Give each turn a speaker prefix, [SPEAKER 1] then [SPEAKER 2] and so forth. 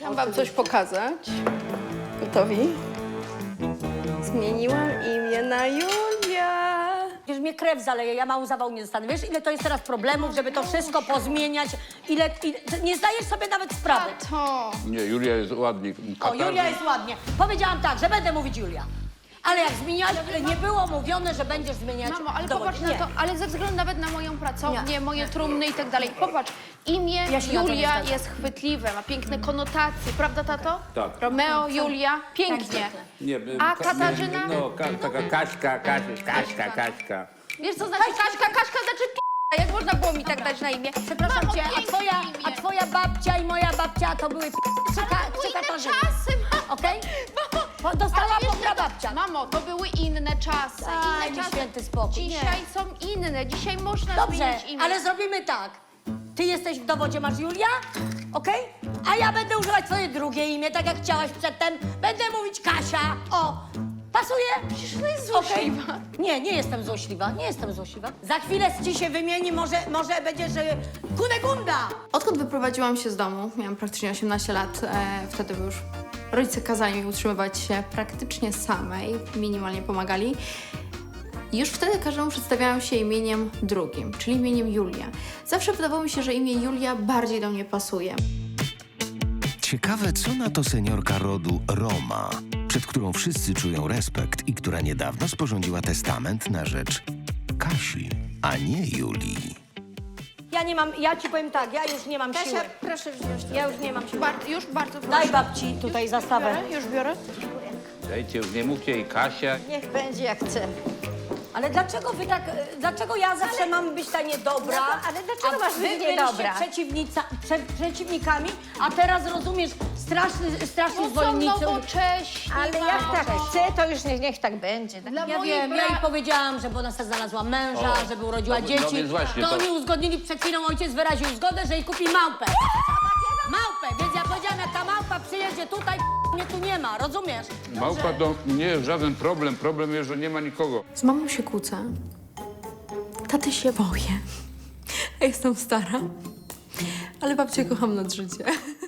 [SPEAKER 1] Chciałam wam coś pokazać. Gotowi? Zmieniłam imię na Julia.
[SPEAKER 2] Wiesz, mnie krew zaleje, ja mało zawału nie dostanę. Wiesz, ile to jest teraz problemów, żeby to wszystko pozmieniać? Nie zdajesz sobie nawet sprawy.
[SPEAKER 1] To.
[SPEAKER 3] Nie, Julia jest ładnie.
[SPEAKER 2] O, Julia jest ładnie. Powiedziałam tak, że będę mówić Julia. Ale jak zmieniałaś, nie było mówione, że będziesz zmieniać
[SPEAKER 1] Mamo, ale
[SPEAKER 2] dowód.
[SPEAKER 1] popatrz na to, ale ze względu nawet na moją pracownię, moje trumny i tak dalej. Popatrz, imię
[SPEAKER 2] Ja się na to nie
[SPEAKER 1] Julia
[SPEAKER 2] zgadzam.
[SPEAKER 1] jest chwytliwe, ma piękne konotacje, prawda, tato?
[SPEAKER 3] Tak.
[SPEAKER 1] Romeo, Julia, pięknie.
[SPEAKER 3] Nie,
[SPEAKER 1] A Katarzyna?
[SPEAKER 3] taka Kaśka.
[SPEAKER 1] Wiesz, co znaczy Kaśka? Kaśka znaczy p***a. Jak można było mi tak dać na imię?
[SPEAKER 2] Przepraszam
[SPEAKER 1] Mamo,
[SPEAKER 2] cię,
[SPEAKER 1] piękne
[SPEAKER 2] a
[SPEAKER 1] imię.
[SPEAKER 2] twoja babcia i moja babcia to były
[SPEAKER 1] Inne
[SPEAKER 2] Katarzyny.
[SPEAKER 1] czasy, mamo.
[SPEAKER 2] Okej?
[SPEAKER 1] Mamo,
[SPEAKER 2] Dostała
[SPEAKER 1] ale wiesz,
[SPEAKER 2] pogra babcia.
[SPEAKER 1] Mamo, to były inne czasy.
[SPEAKER 2] Daj
[SPEAKER 1] Inne
[SPEAKER 2] mi
[SPEAKER 1] czasy.
[SPEAKER 2] święty spokój.
[SPEAKER 1] Dzisiaj są inne. Dzisiaj można
[SPEAKER 2] Dobrze,
[SPEAKER 1] zmienić imię.
[SPEAKER 2] ale zrobimy tak. Ty jesteś w dowodzie, masz Julia, okej? A ja będę używać twoje drugie imię, tak jak chciałaś przedtem. Będę mówić Kasia. O, pasuje?
[SPEAKER 1] Przecież to jest
[SPEAKER 2] Okej.
[SPEAKER 1] złośliwa.
[SPEAKER 2] Nie, nie jestem złośliwa, nie jestem złośliwa. Za chwilę ci się wymieni, może będziesz Kunegunda.
[SPEAKER 4] Odkąd wyprowadziłam się z domu, miałam praktycznie 18 lat, wtedy już rodzice kazali mi utrzymywać się praktycznie samej, minimalnie pomagali. Już wtedy każdemu przedstawiałam się imieniem drugim, czyli imieniem Julia. Zawsze wydawało mi się, że imię Julia bardziej do mnie pasuje.
[SPEAKER 5] Ciekawe, co na to seniorka rodu Roma, przed którą wszyscy czują respekt i która niedawno sporządziła testament na rzecz Kasi, a nie Julii.
[SPEAKER 2] Ja ci powiem tak, ja już nie mam siły.
[SPEAKER 1] Kasia, proszę wziąć to.
[SPEAKER 2] Ja już nie mam siły.
[SPEAKER 1] Już bardzo proszę.
[SPEAKER 2] Daj babci tutaj zastawę.
[SPEAKER 1] Już biorę.
[SPEAKER 3] Dajcie, już nie mówcie jej Kasia.
[SPEAKER 6] Niech będzie jak chce.
[SPEAKER 2] Ale dlaczego wy tak, dlaczego ja zawsze mam być ta niedobra?
[SPEAKER 6] No, ale dlaczego
[SPEAKER 2] a
[SPEAKER 6] masz
[SPEAKER 2] wy
[SPEAKER 6] być
[SPEAKER 2] byliście
[SPEAKER 6] niedobra?
[SPEAKER 2] przeciwnikami, a teraz rozumiesz, strasznie
[SPEAKER 1] No są
[SPEAKER 2] zwolennicy.
[SPEAKER 1] nowocześni.
[SPEAKER 6] Ale jak
[SPEAKER 1] mamo.
[SPEAKER 6] tak chce, to już niech tak będzie.
[SPEAKER 1] Dla
[SPEAKER 2] Ja
[SPEAKER 1] mojej
[SPEAKER 2] wiem, ja jej powiedziałam, żeby ona sobie znalazła męża,
[SPEAKER 3] O,
[SPEAKER 2] żeby urodziła
[SPEAKER 3] no,
[SPEAKER 2] dzieci.
[SPEAKER 3] no więc właśnie,
[SPEAKER 2] to
[SPEAKER 3] to-
[SPEAKER 2] oni uzgodnili przed chwilą, ojciec wyraził zgodę, że jej kupi małpę. Małpę, więc ja powiedziałam, jak ta małpa przyjedzie tutaj, mnie tu nie ma, rozumiesz?
[SPEAKER 3] Małpa to nie jest żaden problem. Problem jest, że nie ma nikogo.
[SPEAKER 4] Z mamą się kłócę. Taty się boję. Ja jestem stara, ale babcię kocham nad życie.